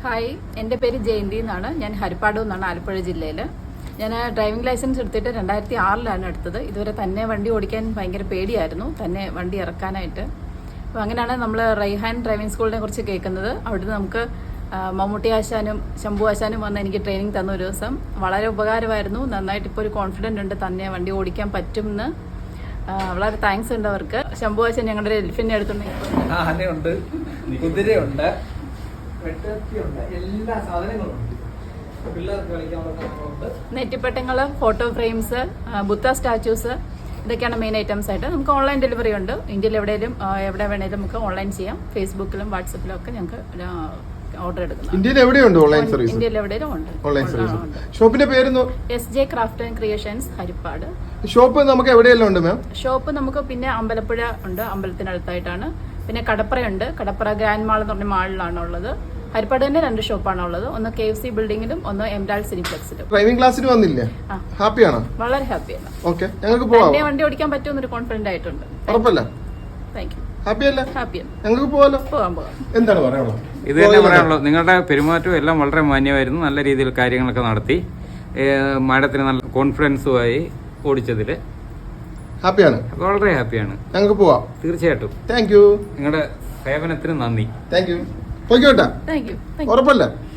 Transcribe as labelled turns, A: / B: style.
A: Hi, എൻ്റെ പേര് ജയന്തി എന്നാണ്. ഞാൻ ഹരിപ്പാട് എന്നാണ്, ആലപ്പുഴ ജില്ലയിൽ. ഞാൻ ഡ്രൈവിംഗ് ലൈസൻസ് എടുത്തിട്ട് 2006 എടുത്തത്. ഇതുവരെ തന്നെ വണ്ടി ഓടിക്കാൻ ഭയങ്കര പേടിയായിരുന്നു, തന്നെ വണ്ടി ഇറക്കാനായിട്ട്. അപ്പോൾ അങ്ങനെയാണ് നമ്മൾ റൈഹാൻ ഡ്രൈവിംഗ് സ്കൂളിനെ കുറിച്ച് കേൾക്കുന്നത്. അവിടുന്ന് നമുക്ക് മമ്മൂട്ടി ആശാനും ശംഭു ആശാനും വന്ന് എനിക്ക് ട്രെയിനിങ് തന്ന ഒരു ദിവസം വളരെ ഉപകാരമായിരുന്നു. നന്നായിട്ട് ഇപ്പോൾ ഒരു കോൺഫിഡൻ്റ് ഉണ്ട്, തന്നെ വണ്ടി ഓടിക്കാൻ പറ്റുമെന്ന്. വളരെ താങ്ക്സ് ഉണ്ട് അവർക്ക്. ശംഭു ആശാൻ ഞങ്ങളുടെ എൽഫിനെ എടുത്തുണ്ടെങ്കിൽ
B: ആനയുണ്ട്, കുതിരയുണ്ട്, എല്ലാ സാധനങ്ങളും ഉണ്ട്. പിള്ളേർക്ക് കളിക്കാനുള്ള
A: നെറ്റിപ്പട്ടങ്ങൾ, ഫോട്ടോ ഫ്രെയിംസ്, ബുദ്ധ സ്റ്റാച്യൂസ്, ഇതൊക്കെയാണ് മെയിൻ ഐറ്റംസ് ആയിട്ട്. നമുക്ക് ഓൺലൈൻ ഡെലിവറി ഉണ്ട്. ഇന്ത്യയിൽ എവിടെ വേണേലും നമുക്ക് ഓൺലൈൻ ചെയ്യാം. ഫേസ്ബുക്കിലും വാട്സപ്പിലും ഒക്കെ ഞങ്ങൾക്ക് ഓർഡർ എടുക്കുന്നത്.
C: ഇന്ത്യയിൽ എവിടെയുണ്ട് ഓൺലൈൻ സർവീസ്?
A: ഇന്ത്യയിൽ എവിടെയും ഉണ്ട്
C: ഓൺലൈൻ സർവീസ്. ഷോപ്പിന്റെ പേര്
A: SJ craft and creations, Harippad.
C: Shop നമുക്ക് എവിടെയെല്ലാം ഉണ്ട് മാം?
A: ഷോപ്പ് നമുക്ക് പിന്നെ അമ്പലപ്പുഴ ഉണ്ട്, അമ്പലത്തിനടുത്തായിട്ടാണ്. പിന്നെ കടപ്പുറയുണ്ട്. കടപ്പുറ ഗ്രാൻഡ് മാൾ എന്ന് പറഞ്ഞ മാളിലാണ് ഉള്ളത്. ഹരിപ്പാട് തന്നെ 2 ഷോപ്പാണ് ഉള്ളത്. ഒന്ന് KFC ബിൽഡിംഗിലും ഒന്ന് എംരാൾഡ് സിനിപ്ലെക്സിലും.
C: ഡ്രൈവിംഗ് ക്ലാസ്സിന് വന്നില്ലേ? ഹാപ്പിയാണോ?
A: വളരെ ഹാപ്പിയാണ്.
C: ഓക്കെ, ഞങ്ങൾക്ക് പോവാം.
A: തന്നെ വണ്ടി ഓടിക്കാൻ പറ്റുമെന്നൊരു കോൺഫിഡന്റ് ആയിട്ടുണ്ട്.
C: ഉറപ്പല്ല?
A: Thank you.
C: ഹാപ്പിയല്ലേ?
A: ഹാപ്പിയാണ്.
C: ഞങ്ങൾക്ക് പോവാലോ?
A: പോകാം.
C: എന്താണ് പറയാനുള്ളത്?
D: ഇത് തന്നെ പറയാനുള്ളത്. നിങ്ങളുടെ പെരുമാറ്റവും എല്ലാം വളരെ മാന്യമായിരുന്നു. നല്ല രീതിയിൽ കാര്യങ്ങളൊക്കെ നടത്തി. മാഡത്തിന് നല്ല കോൺഫിഡൻസുമായി ഓടിച്ചതിൽ
C: ഹാപ്പിയാണ്?
D: വളരെ ഹാപ്പിയാണ്.
C: ഞങ്ങൾക്ക് പോവാം.
D: തീർച്ചയായിട്ടും.
C: Thank you.
D: നിങ്ങളുടെ സേവനത്തിന് നന്ദി.
C: Thank you. പോയിക്കോട്ടെ?
A: Thank you.
C: ഉറപ്പല്ലേ?